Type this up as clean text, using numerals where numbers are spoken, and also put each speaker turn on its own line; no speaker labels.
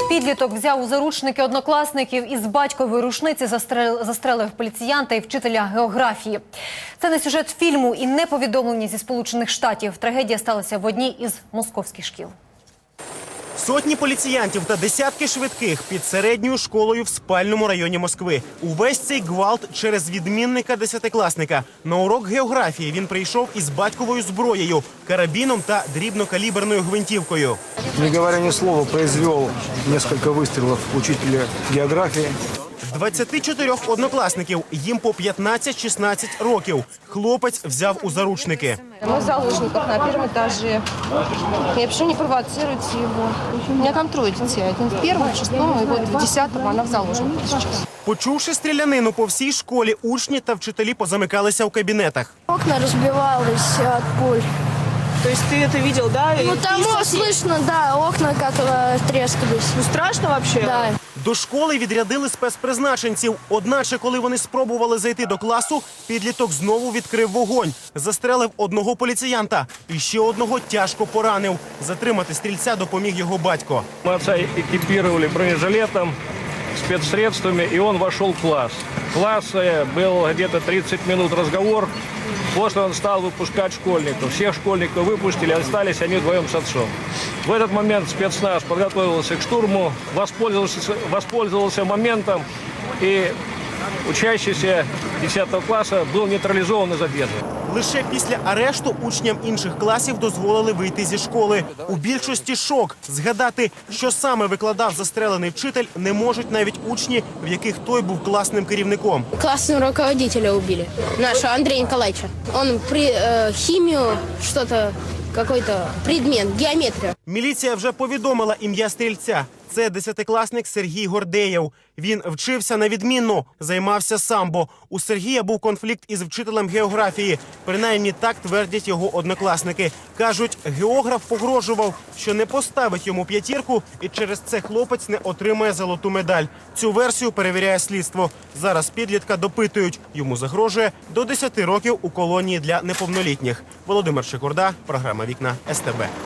Підліток взяв у заручники однокласників і з батькової рушниці застрелив поліціянта і вчителя географії. Це не сюжет фільму і не повідомлення зі Сполучених Штатів. Трагедія сталася в одній із московських шкіл.
Сотні поліціянтів та десятки швидких під середньою школою в спальному районі Москви. Увесь цей гвалт через відмінника десятикласника. На урок географії він прийшов із батьковою зброєю, карабіном та дрібнокаліберною гвинтівкою.
Не говоря ни слова, произвел несколько выстрелов учителя географии.
24 однокласників, їм по 15-16 років. Хлопець взяв у заручники.
Мы в заложниках на первом этаже. Я пишу, не провоцируйте его. У меня там трое детей. Один в первом, в шестом, и вот в 10-м она в заложниках сейчас.
Почувши стрілянину по всій школі, учні та вчителі позамикалися у кабінетах.
Окна разбивались от пуль.
То есть ты это видел, да?
Ну там слышно, да, окна как трескались.
Ну страшно вообще?
Да.
До школи відрядили спецпризначенців. Одначе, коли вони спробували зайти до класу, підліток знову відкрив вогонь. Застрелив одного поліціянта і ще одного тяжко поранив. Затримати стрільця допоміг його батько.
Мы отца экипировали бронежилетом, спецсредствами, и он вошел в класс. В классе был где-то 30 минут разговор. После он стал выпускать школьников. Всех школьников выпустили, остались они вдвоем с отцом. В этот момент спецназ подготовился к штурму, воспользовался моментом, и учащийся 10 класса был нейтрализован и задержан.
Лише після арешту учням інших класів дозволили вийти зі школи. У більшості шок. Згадати, що саме викладав застрелений вчитель, не можуть навіть учні, в яких той був класним керівником.
Классного руководителя убили, нашего Андрея Николаевича. Он химию, что-то, какой-то предмет, геометрию.
Міліція вже повідомила ім'я стрільця. Це десятикласник Сергій Гордеєв. Він вчився на відмінно, займався самбо. У Сергія був конфлікт із вчителем географії. Принаймні так твердять його однокласники. Кажуть, географ погрожував, що не поставить йому п'ятірку, і через це хлопець не отримає золоту медаль. Цю версію перевіряє слідство. Зараз підлітка допитують. Йому загрожує до 10 років у колонії для неповнолітніх. Володимир Шикорда, програма «Вікна СТБ».